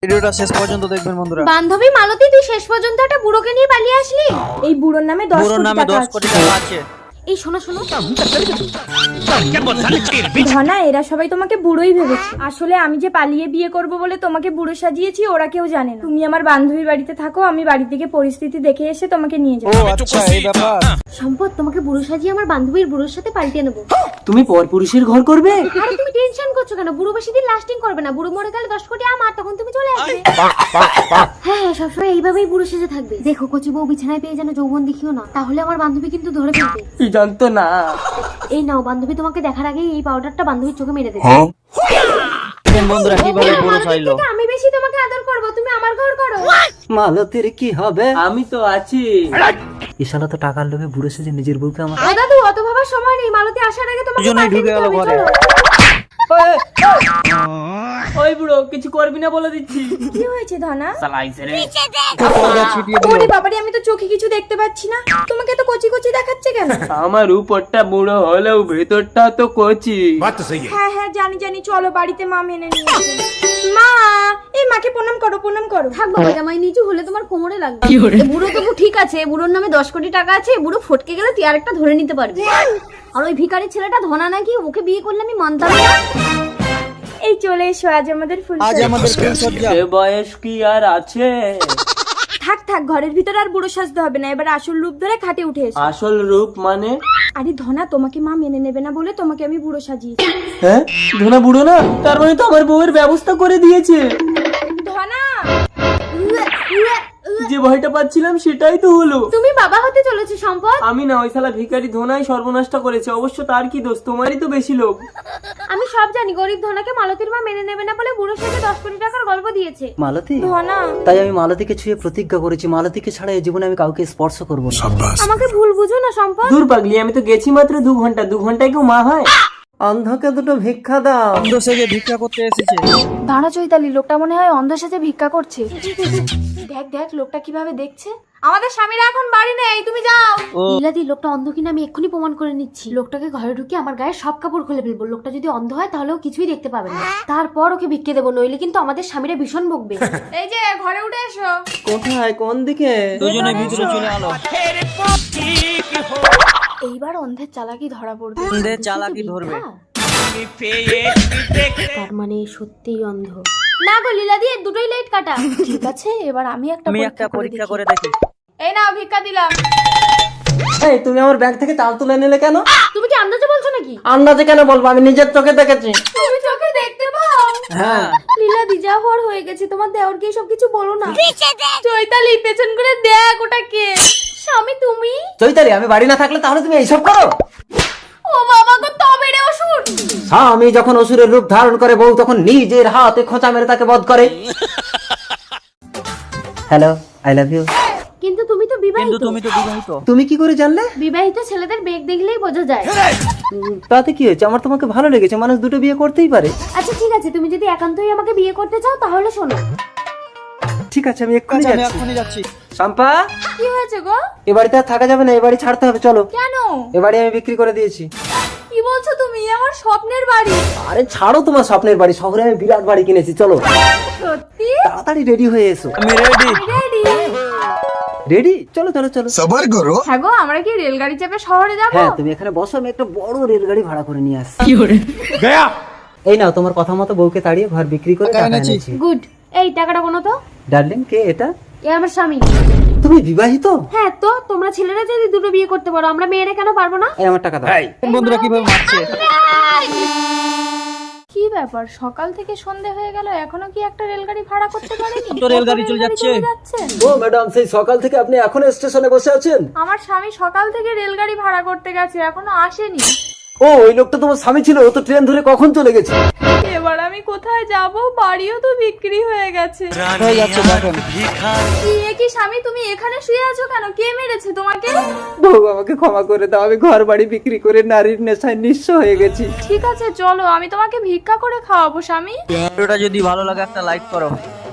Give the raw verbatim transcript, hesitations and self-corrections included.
ভিডিওটা শেষ পর্যন্ত দেখবেন বন্ধুরা। বান্ধবী মালতী, তুই শেষ পর্যন্ত একটা বুড়োকে নিয়ে পালিয়ে আসলি। এই বুড়োর নামে দশ বুড়োর নামে দশ কোটি টাকা আছে। এই শোনো শোনো, ধনা, এরা সবাই তোমাকে বুড়োই ভেবেছে। আসলে আমি যে পালিয়ে বিয়ে করব বলে তোমাকে বুড়ো সাজিয়েছি, ওরা কেউ জানে না। তুমি আমার বান্ধবীর বাড়িতে থাকো, আমি বাড়ি থেকে পরিস্থিতি দেখে এসে তোমাকে নিয়ে ও যাবো। আচ্ছা, এই ব্যাপার। সম্পদ, তোমাকে বুড়ো সাজিয়ে আমার বান্ধবীর বুড়োর সাথে পাল্টে নেবো। তুমি পরপুরুষের ঘর করবে? আরে তুমি টেনশন করছো কেন? বুড়ো বেশি দিন লাস্টিং করবে না। বুড়ো মরে গেলে দশ কোটি আমার, তখন তুমি চলে আসবে। হ্যাঁ হ্যাঁ, সবসময় এইভাবেই বুড়ো সেজে থাকবে। দেখো কচি বউ বিছানায় পেয়ে যেন যৌবন দেখিও না, তাহলে আমার বান্ধবী কিন্তু ধরে ফেলবে। কি জানতো না। এই নাও, বান্ধবী তোমাকে দেখার আগেই এই পাউডারটা বান্ধবীর চোখে মেরে দেবে। দেখেন বন্ধুরা কিভাবে বুড়ো চাইলো। আমি বেশি তোমাকে আদর করব, তুমি আমার ঘর করো। মালতীর কি হবে? আমি তো আছি। ইশালা তো টাকার লোভে বুড়ো সেজে নিজের বউকে আমার। ও দাদু, অত ভাবার সময় নেই। মালতী আসার আগে তোমাকে দুজনেই ঢুকে গেল ঘরে। ওই বুড়ো, কিছু করবি না বলে দিচ্ছি। কি হয়েছে ধনা? ছিটিয়ে দিল। ওরে বাবারে, আমি তো চোখে কিছু দেখতে পাচ্ছি না। তোমাকে তো কচি কচি দেখাচ্ছে কেন? আমার উপরটা বুড়ো হলেও ভেতরটা তো কচি। হ্যাঁ হ্যাঁ, জানি জানি। চলো বাড়িতে মা মেনে নিয়ে আসবে। মা, এই মাকে প্রণাম করো, প্রণাম করো। থাক বাবা, জামাই নিচু হলে তোমার কোমরে লাগবে। এ বুড়ো তবু ঠিক আছে, বুড়োর নামে দশ কোটি টাকা আছে। বুড়ো ফটকে গেলে তুই আরেকটা ধরে নিতে পারবি। আর ওই ভিখারি ছেলেটা ধনা নাকি, ওকে বিয়ে করলে আমি মানতাম না। এই চলে এসো, আজ আমাদের ফুল আজ আমাদের ফুলসজ্জা। সে বয়স কি আর আছে? থাক থাক, ঘরের ভিতর আর বুড়ো সাজতে হবে না। এবার আসল রূপ ধরে খাটে উঠে এসো। আসল রূপ মানে? আরে ধনা, তোমাকে মা মেনে নেবে না বলে তোমাকে আমি বুড়ো সাজিয়েছি। হ্যাঁ, ধনা বুড়ো না, তার মানে তো আমার বউয়ের ব্যবস্থা করে দিয়েছে। ধনা, যে ভয়টা পাচ্ছিলাম সেটাই তো হলো। তুমি বাবা হতে চলেছো সম্পদ। আমি না, ওই শালা ভিখারি ধনাই সর্বনাশটা করেছে। অবশ্য তার কি দোষ? তোমারই তো বেশি লোভ। আমি সব জানি, গরিব ধনাকে মালতীর মা মেনে নেবে না বলে বুড়ো সাথে দশ কোটি টাকার গল্প দিয়েছে। মালতী, ধনা, তাই আমি মালতীকে ছুঁয়ে প্রতিজ্ঞা করেছি, মালতীকে ছাড়া এই জীবনে আমি কাউকে স্পর্শ করবো না। আমাকে ভুল বুঝো না সম্পদ। দূর পাগলি, আমি তো গেছি মাত্র দু ঘন্টা। দু ঘন্টায় কেউ মা হয়? অন্ধকে দুটো ভিক্ষা দাও। অন্ধ সেজে ভিক্ষা করতে এসেছে। দাঁড়া চৈতালি, লোকটা মনে হয় অন্ধ সাজে ভিক্ষা করছে। দেখ দেখ, লোকটা কিভাবে দেখছে। আমাদের স্বামীরা এখন বাড়ি নেই, তুমি যাও। লীলাদি, লোকটা অন্ধ কিনা আমি এক্ষুনি প্রমাণ করে নিচ্ছি। লোকটাকে ঘরে ঢুকে আমার গায়ে সব কাপড় খুলে ফেলবো। লোকটা যদি অন্ধ হয় তাহলেও কিছুই দেখতে পাবে না। তারপর ওকে ভিক্ষে দেবো, নইলে কিন্তু আমাদের স্বামীরা ভীষণ বকবে। এই যে ঘরে উঠে এসো। কোথায়? কোন দিকে? দুজনে ভিতরে চলে আলো। এইবার অন্ধের চালাকি ধরা পড়বে। অন্ধের চালাকি ধরবে। তার মানে সত্যিই অন্ধ না গো লীলাদি, এর দুটোই লাইট কাটা। ঠিক আছে, এবার আমি একটা আমি একটা পরীক্ষা করে দেখি। এই নাও, ভিক্ষা দিলাম। এই, তুমি আমার ব্যাগ থেকে চাল তুলে নিলে কেন? তুমি কি আন্দাজে বলছো নাকি? আন্দাজে কেন বলবো? আমি নিজের চোখে দেখেছি। তুমি চোখে দেখতে পাও? হ্যাঁ। লীলাদি, যা হওয়ার হয়ে গেছে। তোমার দেওরকে সব কিছু বলো না। চৈতালি, পেছন করে দেখ ওটা কে। স্বামী তুমি? চৈতালি, আমি বাড়ি না থাকলে তাহলে তুমি এইসব করো? ও বাবা গো, তবে রে অসুর। স্বামী যখন অসুরের রূপ ধারণ করে, বউ তখন নিজের হাতে খোঁচা মেরে তাকে বধ করে। Hello, I love you. কিন্তু তুমি তো কিন্তু বিবাহিত। তুমি তো বিবাহিত। তুমি কি করে জানলে? বিবাহিত ছেলেদের বেগ দেখলেই বোঝা যায়। উম, তাতে কি হয়েছে? আমার তোমাকে ভালো লেগেছে, মানুষ দুটো বিয়ে করতেই পারে। আচ্ছা ঠিক আছে, তুমি যদি একান্তই আমাকে বিয়ে করতে চাও তাহলে শোনো। ঠিক আছে, আমি এক্ষুনি আচ্ছা, আমি যাচ্ছি। এখনই যাচ্ছি। শম্পা, কি হয়েছে গো? এ বাড়িতে আর থাকা যাবে না, এ বাড়ি ছাড়তে হবে, চলো। কেন? এ বাড়ি আমি বিক্রি করে দিয়েছি। কি বলছো তুমি? আমার স্বপ্নের বাড়ি। আরে ছাড়ো তোমার স্বপ্নের বাড়ি, শহরে আমি বিরাট বাড়ি কিনেছি, চলো। সত্যি? তাড়াতাড়ি রেডি হয়ে এসো। আমি রেডি। রেডি? রেডি? চলো চলো চলো। সবার করো। হ্যাঁ গো, আমরা কি রেলগাড়ি চেপে শহরে যাব? হ্যাঁ, তুমি এখানে বসো, আমি একটা বড় রেলগাড়ি ভাড়া করে নিয়ে আসছি। এই নাও, তোমার কথা মতো বউকে তাড়িয়ে ঘর বিক্রি করে টাকা টাকা এনেছি। এনেছি। গুড। এই টাকাটা কোনো তো। ডার্লিং, কে এটা? এ আমার স্বামী। তুমি বিবাহিত? হ্যাঁ তো, তোমরা ছেলেরা যদি দুটো বিয়ে করতে পারো, আমরা মেয়েরা কেন পারবো না? এই আমার টাকা দাও। বন্ধুরা কিভাবে মারছে। কি ব্যাপার, সকাল থেকে সন্ধে হয়ে গেল, এখনো কি একটা রেলগাড়ি ভাড়া করতে পারেনি? তো রেলগাড়ি চলে যাচ্ছে। ও ম্যাডাম, সেই সকাল থেকে আপনি এখনো স্টেশনে বসে আছেন? আমার স্বামী সকাল থেকে রেলগাড়ি ভাড়া করতে গেছে, এখনো আসেনি। ও, ওই লোকটা তোমার স্বামী ছিল? ও তো ট্রেন ধরে কখন চলে গেছে। এবার আমি কোথায় যাব? বাড়িও তো বিক্রি হয়ে গেছে। হয়ে যাচ্ছে দেখেন। কি এ কি স্বামী, তুমি এখানে শুয়ে আছো কেন? কে মেরেছে তোমাকে? বউ, আমাকে ক্ষমা করে দাও, আমি ঘর বাড়ি বিক্রি করে নারীর নেশায় নিঃস্ব হয়ে গেছি। ঠিক আছে চলো, আমি তোমাকে ভিক্ষা করে খাওয়াবো স্বামী। ভিডিওটা যদি ভালো লাগে একটা লাইক করো।